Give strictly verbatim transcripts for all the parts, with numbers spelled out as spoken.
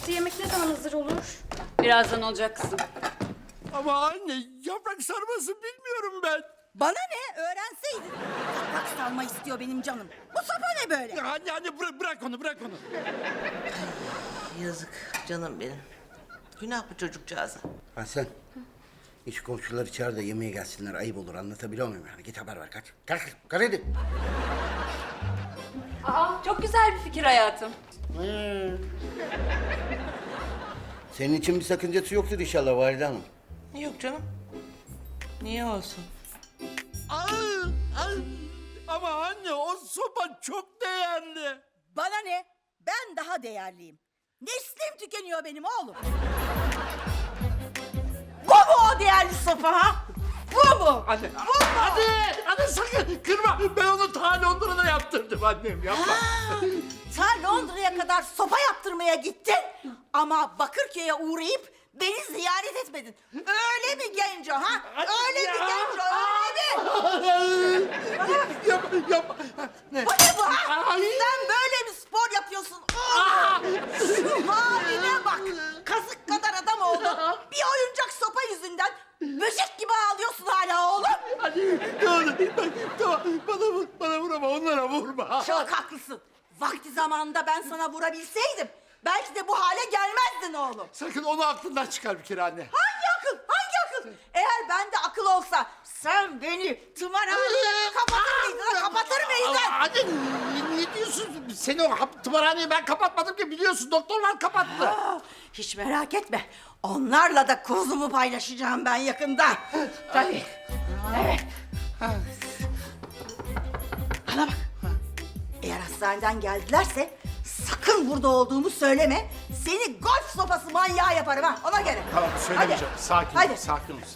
Aslı yemek ne zaman hazır olur? Birazdan olacak kızım. Ama anne yaprak sarması bilmiyorum ben. Bana ne? Öğrenseydin. Yaprak sarma istiyor benim canım. Bu sopa ne böyle? Ya anne anne bırak, bırak onu bırak onu. Yazık canım benim. Günah bu çocukcağıza. Hasan, hiç komşular içeride yemeğe gelsinler, ayıp olur, anlatabiliyor muyum yani? Git haber ver, kaç. Kalk, kalk hadi. Aa, çok güzel bir fikir hayatım. Senin için bir sakıncası yoktur inşallah Valide Hanım. Yok canım. Niye olsun? Ay, ay. Ama anne o sopa çok değerli. Bana ne? Ben daha değerliyim. Neslim tükeniyor benim oğlum. Bu mu o değerli sopa ha? Bu mu? Anne, anne, anne sakın kırma. Ben onu ta Londra'da yaptırdım annem yapma. Sen Londra'ya kadar sopa yaptırmaya gittin ama Bakırköy'e uğrayıp beni ziyaret etmedin. Öyle mi Genco ha? Öyle mi Genco? Öyle mi? Yapma, yapma. Ne? Bu ne bu ha? Ay. Sen böyle mi spor yapıyorsun? Oh! Şu haline bak. Kazık kadar adam oldun. Bir oyuncak sopa yüzünden böcek gibi ağlıyorsun hala oğlum. Anne, tamam, bak, tamam. Bana vur, bana vur ama onlara vurma. Çok haklısın. Vakti zamanında ben sana vurabilseydim belki de bu hale gelmezdin oğlum. Sakın onu aklından çıkar bir kere anne. Hangi akıl? Hangi akıl? Eğer bende akıl olsa sen beni tımarhanede kapatır mıydın? Kapatır mıydın? Anne ne, ne diyorsun? Seni o hap- tımarhaneyi ben kapatmadım ki biliyorsun. Doktorlar kapattı. Aa, hiç merak etme. Onlarla da kuzumu paylaşacağım ben yakında. Tabii. Evet. Bana bak. Eğer hastaneden geldilerse sakın burada olduğumu söyleme. Seni golf sopası manyağı yaparım ha. Ona göre. Tamam söylemeyeceğim. Hadi. Sakin ol, Hadi. sakin ol.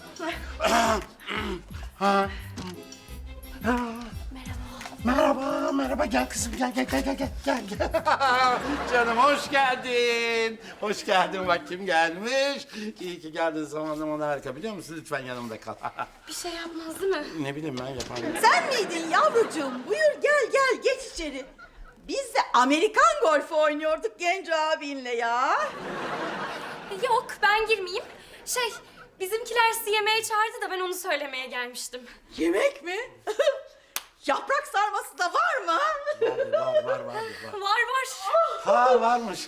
Merhaba, merhaba. Gel kızım, gel, gel, gel, gel, gel, gel. gel. Canım hoş geldin. Hoş geldin. Bak kim gelmiş. İyi ki geldin. Zamanlama harika biliyor musun? Lütfen yanımda kal. Bir şey yapmaz değil mi? Ne bileyim ben yaparım. Sen miydin yavrucuğum? Buyur gel gel geç içeri. Biz de Amerikan golfü oynuyorduk Genco abinle ya. Yok ben girmeyeyim. Şey bizimkiler sizi yemeğe çağırdı da ben onu söylemeye gelmiştim. Yemek mi? Yaprak sarması da var mı? Var, var, var, var. Var var. Ha varmış.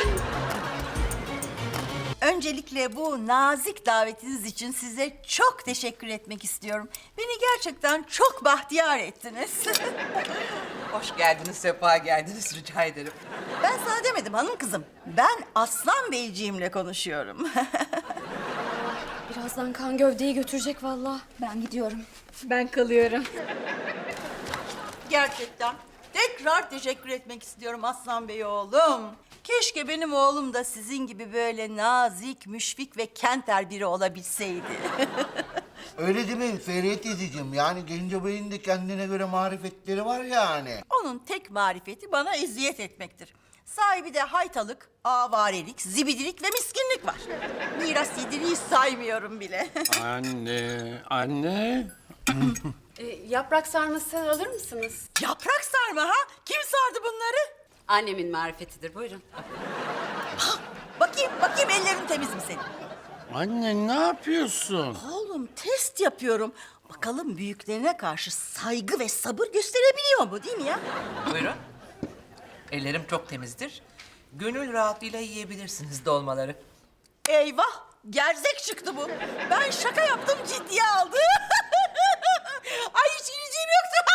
Öncelikle bu nazik davetiniz için size çok teşekkür etmek istiyorum. Beni gerçekten çok bahtiyar ettiniz. Hoş geldiniz, sefa geldiniz rica ederim. Ben sana demedim hanım kızım. Ben Aslan Beyciğimle konuşuyorum. Birazdan kan gövdeyi götürecek vallahi. Ben gidiyorum. Ben kalıyorum. Gerçekten tekrar teşekkür etmek istiyorum Aslan Bey oğlum. Keşke benim oğlum da sizin gibi böyle nazik, müşfik ve kenter biri olabilseydi. Öyle değil mi Feriye teyzeciğim? Yani Genco Bey'in de kendine göre marifetleri var yani. Onun tek marifeti bana eziyet etmektir. Sahibi de haytalık, avarelik, zibidilik ve miskinlik var. Miras yediriyi saymıyorum bile. Anne, anne. Ee, yaprak sarması alır mısınız? Yaprak sarma ha? Kim sardı bunları? Annemin marifetidir, buyurun. Bakayım, bakayım ellerin temiz mi senin? Anne ne yapıyorsun? Oğlum test yapıyorum. Bakalım büyüklerine karşı saygı ve sabır gösterebiliyor mu değil mi ya? Buyurun. Ellerim çok temizdir. Gönül rahatlığıyla yiyebilirsiniz dolmaları. Eyvah! Gerzek çıktı bu. Ben şaka yaptım ciddiye aldı. Ay hiç ileceğim yoktu.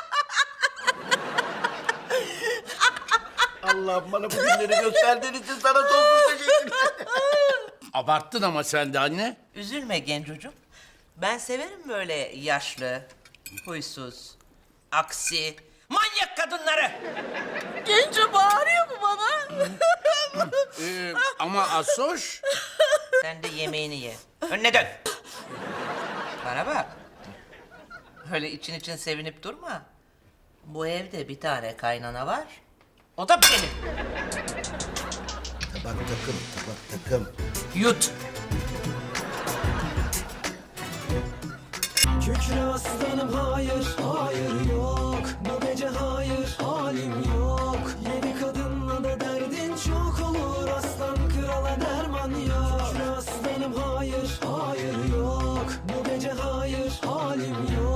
Allah'ım bana bu günleri gösterdiğin için sana sonsuz teşekkürler. Abarttın ama sen de anne. Üzülme gencocuğum. Ben severim böyle yaşlı, huysuz, aksi, manyak kadınları. Genco bağırıyor mu bana? Ee, ama Asoş. Sen de yemeğini ye. Önüne dön. Bana bak. Öyle için için sevinip durma. Bu evde bir tane kaynana var. O da benim. Tabak takım, tabak takım. Yut. Kükre aslanım hayır, hayır yok. Bu gece hayır, halim yok. Yedi kadınla da derdin çok olur aslan kral. Bu gece hayır halim yok.